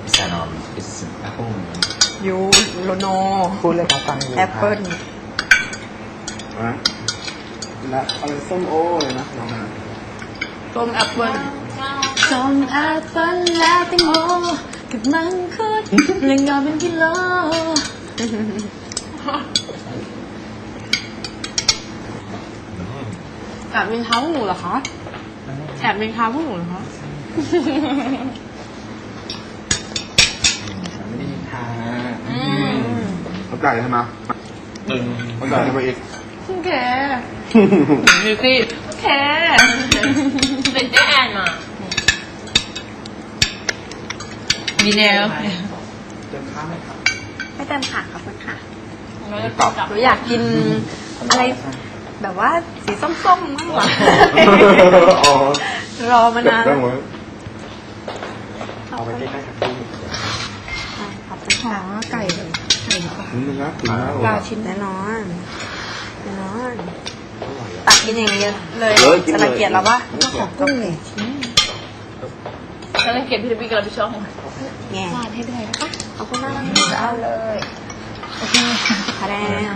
bisa nom bisa aku ยูโลโนพูดเลยครับฟังอยู่แอปเปิ้ลนะและอะไรส้มโอเลยนะน้องนะส้มแอปเปิ้ลส้มแอปเปิ้ลและแตงโมกับมังคุดเรียงยอเป็นกิโลแอบมีเท้าพวกหนูเหรอคะแอบมีเท้าพวกหนูเหรอคะไม่ได้ยินทาเข้าใจใช่ไหมตึงเข้าใจใช่ไหมอีกโอเคดูสิโอเคเป็นเจ๊แอนมามีแนวเติมข้าวไหมครับให้เต็มผักขอบคุณค่ะกลับหนูอยากกินอะไรแบบว่าสีส้มๆมากกว่าอ๋อรอมานานได้หมดเอาไปใกล้ๆครับพี่ขอบคุณค่ะไก่นี่นะถึงแล้วปลาชิ้นแน่นอนแน่นอนตักกินอย่างเยอะเลยจะรังเกียจเราปะขอกุ้งเลยจะรังเกียจพี่ทบีกับเราพี่ช่องแง่ให้ด้วยนะคะขอบคุณมากจะเอาเลยโอเคคะแนน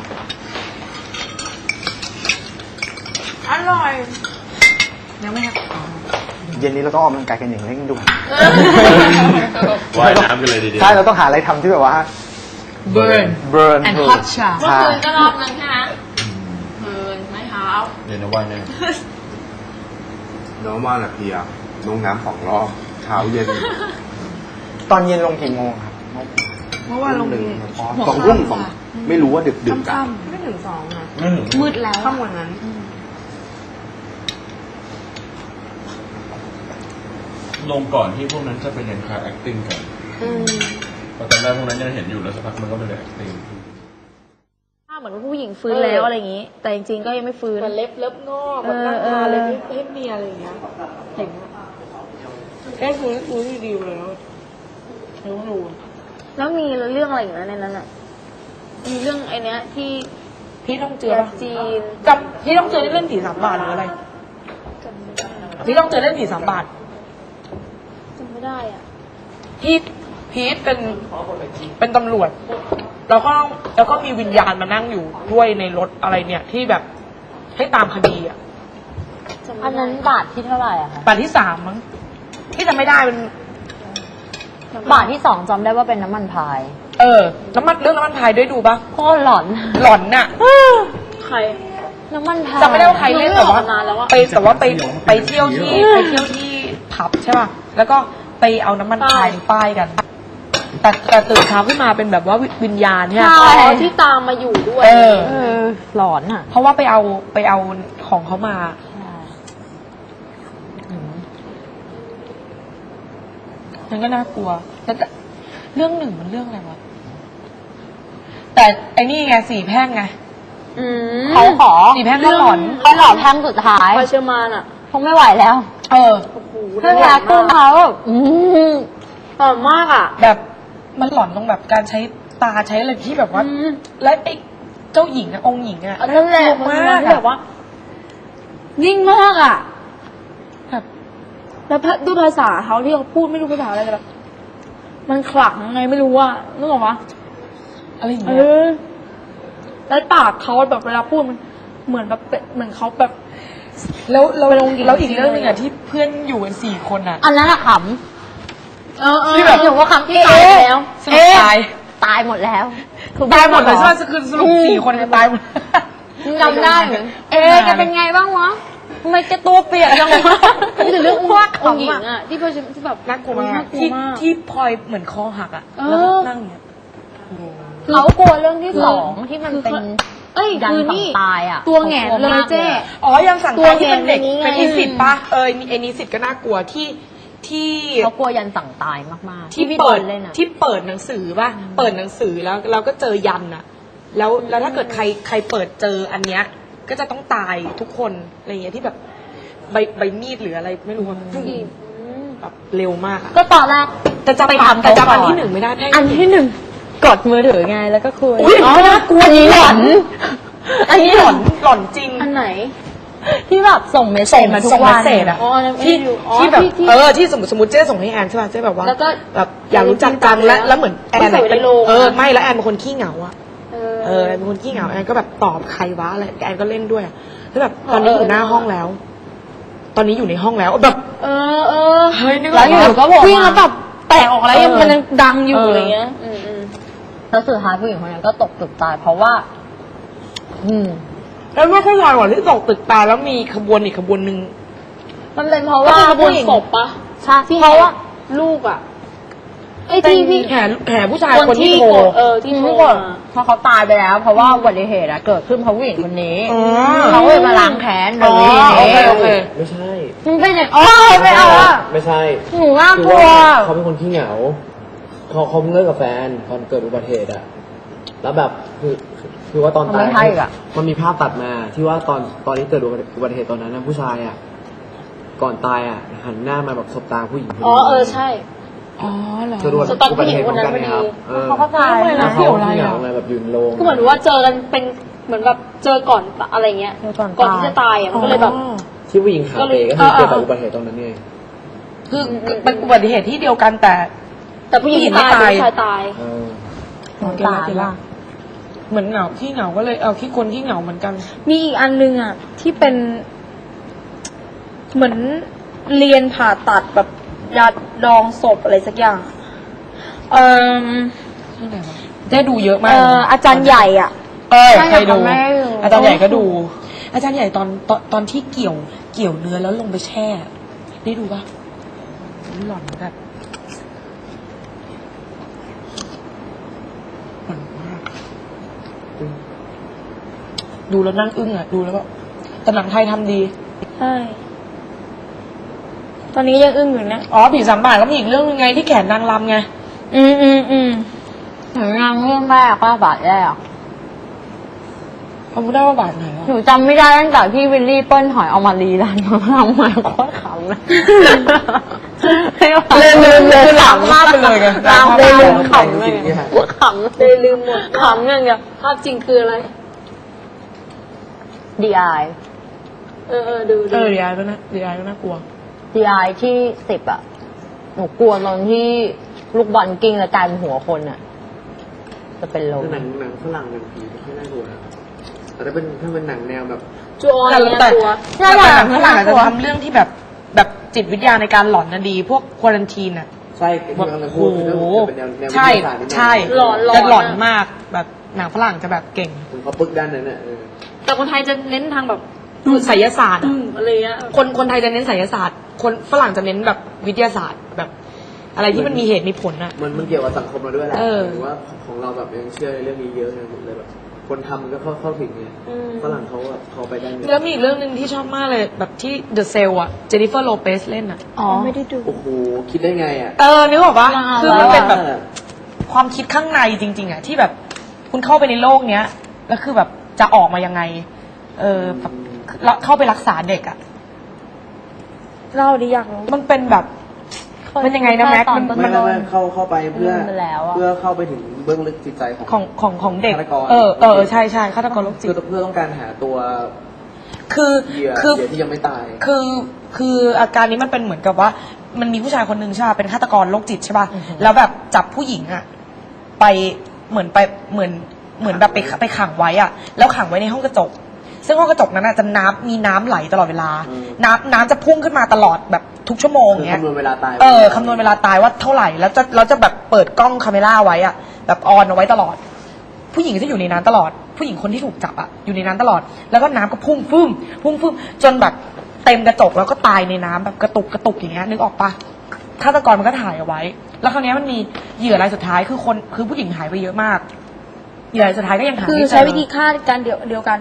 อร่อยยังไม่ครับเย็นนี้เราต้องออกกำลังกายกันอย่างเร่งด่วนว่ายน้ำกันเลยดีๆใช่เราต้องหาอะไรทำที่แบบว่า burn burn and hot shower ใช่เมื่อคืนก็รอบนึงใช่ไหมคืนไม่เท้าเดี๋ยวนะว่ายน้น้องว่าน่ะเพลียลงน้ำ2 รอบเช้าเย็นตอนเย็นลงกี่โมงครับเมื่อวานลงหนึ่งหัว 2 ทุ่มสองไม่รู้ว่าดึกๆอะค่ำๆไม่ถึง2นะำมืดแล้วค่ำวันนั้นลงก่อนที่พวกนั้นจะไปเรียนคลาส acting กันเพราะตอนแรกพวกนั้นยังเห็นอยู่แล้วสักพักมันก็ไปเรียน acting ถ้าเหมือนว่าผู้หญิงฟื้นแล้วอะไรอย่างนี้ แต่จริงๆก็ยังไม่ฟื้นมันเล็บงอกแบบนั่งทาเลยให้เมียอะไรอย่างเงี้ยเห็นแค่ฟื้นดีๆแล้วรู้แล้วมีเรื่องอะไรอยู่นะในนั้นอ่ะ มีเรื่องไอเนี้ยที่พี่ต้องเจอจีนกับพี่ต้องเจอเล่นผี3 บาทหรืออะไรพี่ต้องเจอเล่นผี3 บาทจำไม่ได้อ่ะพีทเป็นตำรวจแล้วก็มีวิญญาณมานั่งอยู่ด้วยในรถอะไรเนี่ย ที่แบบให้ตามคดีอ่ะอันนั้นบาทที่เท่าไหร่อะคะบาทที่3มั้งที่จะไม่ได้เป็นบาทที่2จำได้ว่าเป็นน้ำมันพายเรื่องน้ำมันพายด้วยดูปะโคตรหลอนหลอนน่ะใคร น้ำมันพายจำไม่ได้ว่าใครเล่นแต่ว่านานแล้วอะไปเที่ยวที่ผับใช่ป่ะแล้วก็ไปเอาน้ำมันพายป้ายกัน แต่ตื่นเช้าขึ้นมาเป็นแบบว่าวิญญาณเนี่ยใช่ที่ตามมาอยู่ด้วยหลอนอ่ะเพราะว่าไปเอาของเขามามันก็น่ากลัวแต่เรื่องหนึ่งมันเรื่องอะไรวะแต่ไอ้นี่ไง4 แพร่งไงเขาขอ 4 แพร่งก็หลอนเขาขอแพร่งสุดท้ายพอเชื่อมานอ่ะคงไม่ไหวแล้ว เพื่อนรักกุ้งเขาแบบหอมมากอ่ะแบบมันหลอนตรงแบบการใช้ตาใช้อะไรที่แบบว่า และไอ้เจ้าหญิงอะองค์หญิงอะนั่นแหละมากแบบว่านิ่งมากอ่ะแบบแล้วด้วยภาษาเขาที่เขาพูดไม่รู้ภาษาอะไรแบบมันขลังไงไม่รู้อ่ะนึกออกปะอะไรอย่างเอเงี้ยอแล้วปากเขาแบบเวลาพูดมันเหมือนแบบเหมือนเขาแบบแล้วอีกเรื่องหนึงอะที่เพื่อนอยู่กัน4 คนอะอันนั้นอะขำที่แบบอยู่ว่าคำที่ตายแล้วสรุปตายหมดแล้วตายหมดเลยใช่ไหมคือสรุป4 คนตายหมดจำได้เหมือนแกเป็นไงบ้างวะทำไมแกตัวเปียกจังวะนี่คือเรื่องพวกองค์หญิงอะที่พอที่แบบน่ากลัวมากน่ากลัวมากที่พลอยเหมือนคอหักอะเออแล้วก็นั่งอย่างเงี้ยเขากลัวเรื่องที่2ที่มันเป็นยันฝั่งตายอะตัวแหงนเลยเจ๊อ๋อยังสั่งตัวตายที่เป็นเด็กแหงนเป็นนิสิตปะไอ้นิสิตก็น่ากลัวที่เขากลัวยันสั่งตายมากๆที่พี่เปิดเล่นอะที่เปิดหนังสือป่ะเปิดหนังสือแล้วเราก็เจอยันอะแล้วถ้าเกิดใครเปิดเจออันเนี้ยก็จะต้องตายทุกคนอะไรอย่างเงี้ยที่แบบใบมีดหรืออะไรไม่รู้แบบเร็วมากอะก็ตอนแรกแต่จำอันที่1ไม่ได้แพ่งอันที่1กดมือถือไงแล้วก็คุยอุ๊ยน่ากลัวอันนี้หลอนอันนี้หลอนจริงอันไหนที่แบบส่งเมสเซจมาทุกวันส่งเมสเซจอะอ๋ออันนั้นที่อ๋อที่แบบที่ที่สมมติเจ๊ส่งให้แอนใช่ป่ะเจ๊แบบว่าแล้วก็แบบอยากรู้จักกันแล้วเหมือนแอนใส่ไว้ในโลงไม่แล้วแอนเป็นคนขี้เหงาอะเออแอนเป็นคนขี้เหงาแอนก็แบบตอบใครวะอะไรแอนก็เล่นด้วยอะแล้วแบบตอนนี้อยู่หน้าห้องแล้ว ตอนนี้อยู่ในห้องแล้วแบบเออเฮ้ยนึกอแล้อวกอยู่ก็บอกวิ่งแล้วแบบแตกออกแล้วยังมันยังดังอยู่อะอะไร ไรเงี้เงี้ยยแล้วสุดท้ายผู้หญิงคนนั้นก็ตกตึกตายเพราะว่าแล้วไม่ค่อยลอยกว่าที่ตกตึกตายแล้วมีขบวนอีกขบวนหนึ่งมันเป็นเพราะว่าก็คือขบวนผู้หญิงศพปะใช่เพราะว่าลูกอ่ะไอ้ที่พี่แห่ผู้ชายคนที่โทรที่โทรเพราะเขาตายไปแล้ว เพราะว่าอุบัติเหตุอะเกิดขึ้นเพราะผู้หญิงคนนี้อ๋อเขาเลยมาล้างแค้นแบบนี้โอเคไม่ใช่มันเป็นอย่างไม่เอาอะไม่ใช่หนูน่ากคือลัวว่าเขาเป็นคนขี้เหงาเขาเพิ่งเลิกกับแฟนตอนเกิดอุบัติเหตุอะแล้วแบบคือว่าตอนตายไม่ใช่อีกอะมันมีภาพตัดมาที่ว่าตอนที่เกิดอุบัติเหตุตอนนั้นนะผู้ชายอะก่อนตายอะหันหน้ามาแบบสบตาผู้หญิงคนนี้ใช่อ๋อเหรอคืออุบัติเหตุของกันนะครับเขาก็ตายไม่แล้นะวเขาขี้เหงาไงแบบยืนโลงก็เหมือนว่าเจอกันเป็นเหมือนแบบเจอก่อนอะไรเงี้ย ก่อนที่จะตายอ่ะมันก็เลยแบบที่ผู้หญิงขาเป๋ก็คือเกิดจากอุบัติเหตุตอนนั้นไงคือเป็นอุบัติเหตุที่เดียวกันแต่ผู้หญิงตายผู้ชายตายเออตายละเหมือนเหงาที่เหงาก็เลยเอาที่คนที่เหงาเหมือนกันมีอีกอันนึงอ่ะที่เป็น เหมือนเรียนผ่าตัดแบบยาดองศพอะไรสักอย่างได้ดูเยอะมากอาจารย์ใหญ่อ่ะเคยดูไม่ได้ดูอาจารย์ใหญ่ก็ดู อาจารย์ใหญ่ตอนที่เกี่ยวเนื้อแล้วลงไปแช่ ได้ดูป่ะหล่อนแบบหล่อนมากดูแล้วนั่งอึ้งอ่ะดูแล้วก็แต่หนังไทยทำดีใช่ ตอนนี้ยังอึ้งอยู่นะอ๋อผีสามบาทก็มีอีกเรื่องนึงไงที่แขนนางรำไงหนูนางเรื่องแรกป้าบาทแรกเอาไม่ได้ว่าบาทไหนวะหนูจำไม่ได้ตั้งแต่ที่วิลลี่เปิ้ลหอยเอามารีรันมาทำมาโคตรขำนะคือหลังมากไปเลยไงเลยลืมขำเลยขำเลยลืมหมดขำอย่างเดียวภาพจริงคืออะไร DI ดูดีไอก็น่ากลัว DI ที่10อะหนูกลัวตอนที่ลูกบอลกิ้งแล้วกลายเป็นหัวคนอะจะเป็นลมหนังฝรั่งหนังผีไม่ค่อยน่ากลัวนะแต่ถ้าเป็นหนังแนวแบบจูออนเนี่ยแต่กลัวแต่หนังฝรั่งจะทำเรื่องที่แบบจิตวิทยาในการหลอนน่ะดี พวกควอรันทีนอ่ะใช่ที่เรากำลังพูดคือเรื่องเป็นแนววิทใช่ยาศาสตร์นิดนึงใช่หลอนๆจะหลอนมากแบบหนังฝรั่งจะแบบเก่งเขาปึ๊กด้านนั้นน่ะแต่คนไทยจะเน้นทางแบบไสยศาสตร์อะอะไรเงี้ยคนไทยจะเน้นไสยศาสตร์ คนฝรั่งจะเน้นแบบวิทยาศาสตร์แบบ อะไรที่มันมีเหตุมีผลอ่ะมันเกี่ยวกับสังคมเราด้วยแหละเออหรือว่าของเราแบบยังเชื่อในเรื่องนี้เยอะไงเลยแบบคนทำก็เข้าถึงไงฝรั่งเขาไปได้ไงแล้วมีอีกเรื่องหนึ่งที่ชอบมากเลยแบบที่ The Cell อ่ะเจนนิเฟอร์โลเปสเล่นอ่ะไม่ได้ดูโอ้โหคิดได้ไงอ่ะนึกออกปะคือมันเป็นแบบ ความคิดข้างในจริงๆอ่ะที่แบบคุณเข้าไปในโลกเนี้ยแล้วคือแบบจะออกมายังไงแบบแล้วเข้าไปรักษาเด็กอ่ะเล่าดิอยากรู้มันเป็นแบบมันยังไงนะแม็กมันไม่เข้าไปเพื่อเข้าไปถึงเบื้องลึกจิตใจของเด็กฆาตกรใช่ใช่ฆาตกรโรคจิตเพื่อต้องการหาตัวคือเหยื่อที่ยังไม่ตายคืออาการนี้มันเป็นเหมือนกับว่า มันมีผู้ชายคนหนึ่งใช่ป่ะเป็นฆาตกรโรคจิตใช่ป่ะแล้วแบบจับผู้หญิงอ่ะไปเหมือนแบบไปขังไว้อ่ะแล้วขังไว้ในห้องกระจกซึ่งห้องกระจกนั้นจะมีน้ำไหลตลอดเวลาน้ำจะพุ่งขึ้นมาตลอดแบบทุกชั่วโมงเงี้ยคำนวณเวลาตายคำนวณเวลาตายว่าเท่าไหร่แล้วจะแบบเปิดกล้องคาเมล่าไว้อ่ะแบบออนเอาไว้ตลอด ผู้หญิงจะอยู่ในนั้นตลอด ผู้หญิงคนที่ถูกจับอ่ะอยู่ในนั้นตลอด แล้วก็น้ำก็พุ่งฟึ่มจนแบบเต็มกระจกแล้วก็ตายในน้ำแบบกระตุกอย่างเงี้ยนึกออกปะฆาตกรมันก็ถ่ายเอาไว้ แล้วคราวนี้มันมีเหยื่อรายสุดท้ายคือผู้หญิงหายไปเยอะมากเหยื่อรายสุดท้ายก็ยังหาคือไม่เจอใช้วิธีฆ่ากันเดียวกัน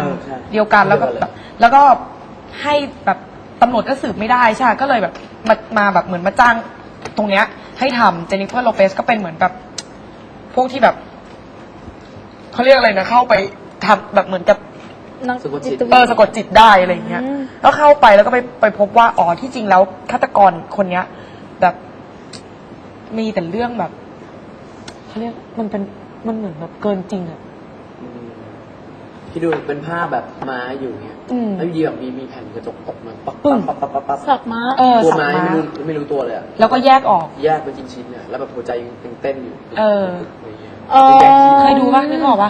แล้วก็ให้แบบตำรวจก็สืบไม่ได้ใช่ก็เลยแบบมาแบบเหมือนมาจ้างตรงเนี้ยให้ทำเจนนิเฟอร์โลเปสก็เป็นเหมือนแบบพวกที่แบบเขาเรียกอะไรนะเข้าไปทำแบบเหมือนกับสะกดจิตสะกดจิตได้อะไรอย่างเงี้ยแล้วเข้าไปแล้วก็ไปพบว่าอ๋อที่จริงแล้วฆาตกรคนเนี้ยแบบมีแต่เรื่องแบบเขาเรียกมันเหมือนแบบเกินจริงอะที่ดูเป็นภาพแบบม้าอยู่เงี้ยแล้วอยู่ดีแบบมีแผ่นกระจกตกมาปั๊บปึ้งปั๊บปั๊บปั๊บปั๊บสักม้าตัวสับไม้มาไม่รู้ตัวเลยอะแล้วก็แยกออกแยกเป็นชิ้นๆเนี่ยแล้วแบบหัวใจยังเต้นอยู่เอออะไรเงี้ยเคยดูป่ะนึกออกป่ะ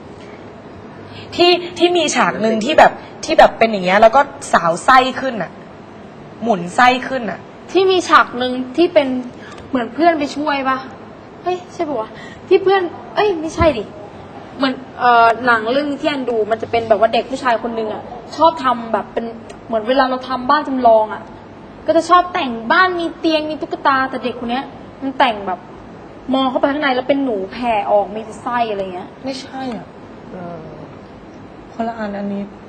ที่มีฉากหนึ่งที่แบบเป็นอย่างเงี้ยแล้วก็สาวไส้ขึ้นอ่ะ หมุนไส้ขึ้นอ่ะที่มีฉากหนึ่งที่เป็นเหมือนเพื่อนไปช่วยปะเฮ้ยใช่ปะวะที่เพื่อนเอ้ยไม่ใช่ดิเหมือนหนังเรื่องที่อันดูมันจะเป็นแบบว่าเด็กผู้ชายคนหนึ่งอ่ะชอบทำแบบเป็นเหมือนเวลาเราทำบ้านจำลองอ่ะก็จะชอบแต่งบ้านมีเตียงมีตุ๊กตาแต่เด็กคนเนี้ยมันแต่งแบบมองเข้าไปข้างในแล้วเป็นหนูแผ่ออกมีไส้อะไรเงี้ยไม่ใช่อ่ะคนละอันอันนี้